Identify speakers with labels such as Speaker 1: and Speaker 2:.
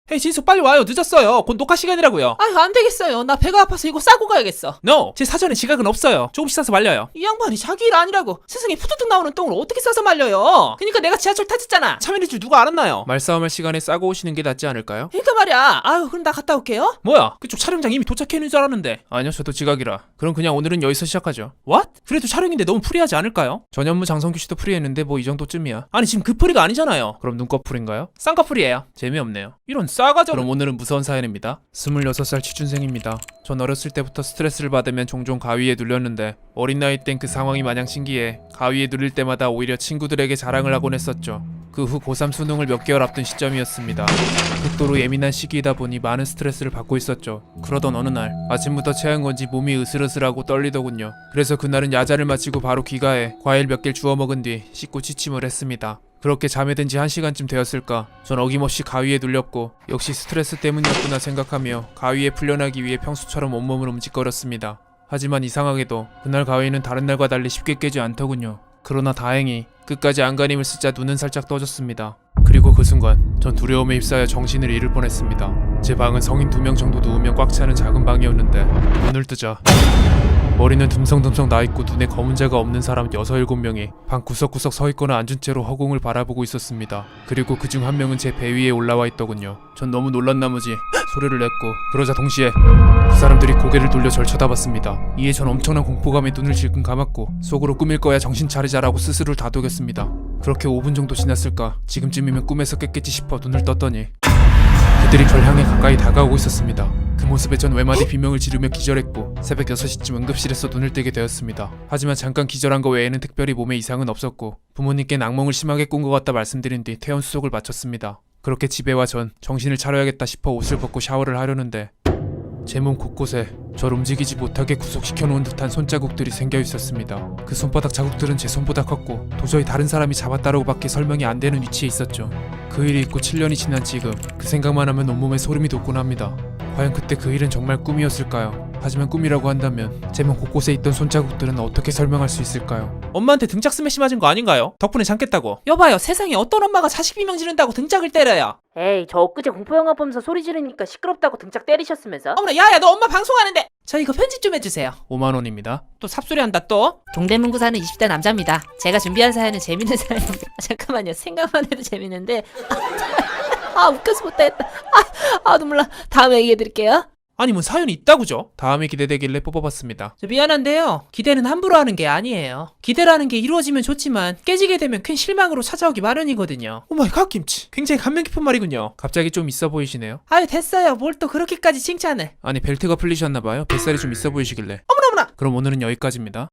Speaker 1: 헤이 진수 빨리 와요. 늦었어요. 곧 녹화 시간이라고요.
Speaker 2: 아유 안되겠어요. 나 배가 아파서 이거 싸고 가야겠어.
Speaker 1: No! 제 사전에 지각은 없어요. 조금씩 싸서 말려요.
Speaker 2: 이 양반이 자기 일 아니라고 세상에 푸드득 나오는 똥을 어떻게 싸서 말려요. 그니까 내가 지하철 탔었잖아.
Speaker 1: 참여일 줄 누가 알았나요? 말싸움할 시간에 싸고 오시는 게 낫지 않을까요?
Speaker 2: 그니까 말이야. 아유 그럼 나 갔다 올게요.
Speaker 1: 뭐야? 그쪽 촬영장 이미 도착해 있는 줄 알았는데. 아니요, 저도 지각이라. 그럼 그냥 오늘은 여기서 시작하죠. What? 그래도 촬영인데 너무 프리하지 않을까요? 전현무 장성규 씨도 프리했는데 뭐 이 정도쯤이야. 아니 지금 그 프리가 아니잖아요. 그럼 눈꺼풀인가요? 쌍꺼풀이에요. 재미없네요. 이런 싸가지. 그럼 오늘은 무서운 사연입니다. 26살 취준생입니다. 전 어렸을 때부터 스트레스를 받으면 종종 가위에 눌렸는데 어린 나이 땐 그 상황이 마냥 신기해 가위에 눌릴 때마다 오히려 친구들에게 자랑을 하곤 했었죠. 그 후 고3 수능을 몇 개월 앞둔 시점이었습니다. 극도로 예민한 시기이다 보니 많은 스트레스를 받고 있었죠. 그러던 어느 날 아침부터 체한 건지 몸이 으슬으슬하고 떨리더군요. 그래서 그날은 야자를 마치고 바로 귀가해 과일 몇 개를 주워 먹은 뒤 씻고 취침을 했습니다. 그렇게 잠에 든 지 1시간쯤 되었을까 전 어김없이 가위에 눌렸고 역시 스트레스 때문이었구나 생각하며 가위에 풀려나기 위해 평소처럼 온몸을 움직거렸습니다. 하지만 이상하게도 그날 가위는 다른 날과 달리 쉽게 깨지 않더군요. 그러나 다행히 끝까지 안간힘을 쓰자 눈은 살짝 떠졌습니다. 그리고 그 순간 전 두려움에 휩싸여 정신을 잃을 뻔했습니다. 제 방은 성인 2명 정도 누우면 꽉 차는 작은 방이었는데 눈을 뜨자 머리는 듬성듬성 나있고 눈에 검은 자가 없는 사람 6, 7명이 방 구석구석 서있거나 앉은 채로 허공을 바라보고 있었습니다. 그리고 그중 한 명은 제 배 위에 올라와 있더군요. 전 너무 놀란 나머지 소리를 냈고 그러자 동시에 그 사람들이 고개를 돌려 절 쳐다봤습니다. 이에 전 엄청난 공포감에 눈을 질끈 감았고 속으로 꿈일 거야 정신 차리자라고 스스로를 다독였습니다. 그렇게 5분 정도 지났을까 지금쯤이면 꿈에서 깼겠지 싶어 눈을 떴더니 그들이 절 향해 가까이 다가오고 있었습니다. 그 모습에 전 외마디 비명을 지르며 기절했고 새벽 6시쯤 응급실에서 눈을 뜨게 되었습니다. 하지만 잠깐 기절한 거 외에는 특별히 몸에 이상은 없었고 부모님께는 악몽을 심하게 꾼 것 같다 말씀드린 뒤 퇴원 수속을 마쳤습니다. 그렇게 집에 와 전 정신을 차려야겠다 싶어 옷을 벗고 샤워를 하려는데 제 몸 곳곳에 절 움직이지 못하게 구속시켜 놓은 듯한 손자국들이 생겨 있었습니다. 그 손바닥 자국들은 제 손보다 컸고 도저히 다른 사람이 잡았다라고 밖에 설명이 안 되는 위치에 있었죠. 그 일이 있고 7년이 지난 지금 그 생각만 하면 온몸에 소름이 돋곤 합니다. 과연 그때 그 일은 정말 꿈이었을까요? 하지만 꿈이라고 한다면 제 몸 곳곳에 있던 손자국들은 어떻게 설명할 수 있을까요? 엄마한테 등짝 스매시 맞은 거 아닌가요? 덕분에 참겠다고.
Speaker 2: 여봐요. 세상에 어떤 엄마가 자식 비명 지른다고 등짝을 때려요.
Speaker 3: 에이, 저 엊그제 공포영화 보면서 소리 지르니까 시끄럽다고 등짝 때리셨으면서?
Speaker 2: 어머나 야야 너 엄마 방송하는데. 저 이거 편집 좀 해주세요.
Speaker 1: 5만원입니다.
Speaker 2: 또 삽소리 한다 또.
Speaker 3: 동대문구 사는 20대 남자입니다. 제가 준비한 사연은 재밌는 사연입니다. 잠깐만요. 생각만 해도 재밌는데 아 웃겨서 못하겠다. 눈물 나. 다음에 얘기해드릴게요.
Speaker 1: 아니 뭐 사연이 있다고죠? 다음에 기대되길래 뽑아봤습니다.
Speaker 2: 저 미안한데요. 기대는 함부로 하는 게 아니에요. 기대라는 게 이루어지면 좋지만 깨지게 되면 큰 실망으로 찾아오기 마련이거든요.
Speaker 1: 오마이갓 김치. 굉장히 감명 깊은 말이군요. 갑자기 좀 있어 보이시네요.
Speaker 2: 아유 됐어요. 뭘 또 그렇게까지 칭찬을.
Speaker 1: 아니 벨트가 풀리셨나봐요. 뱃살이 좀 있어 보이시길래.
Speaker 2: 어머나.
Speaker 1: 그럼 오늘은 여기까지입니다.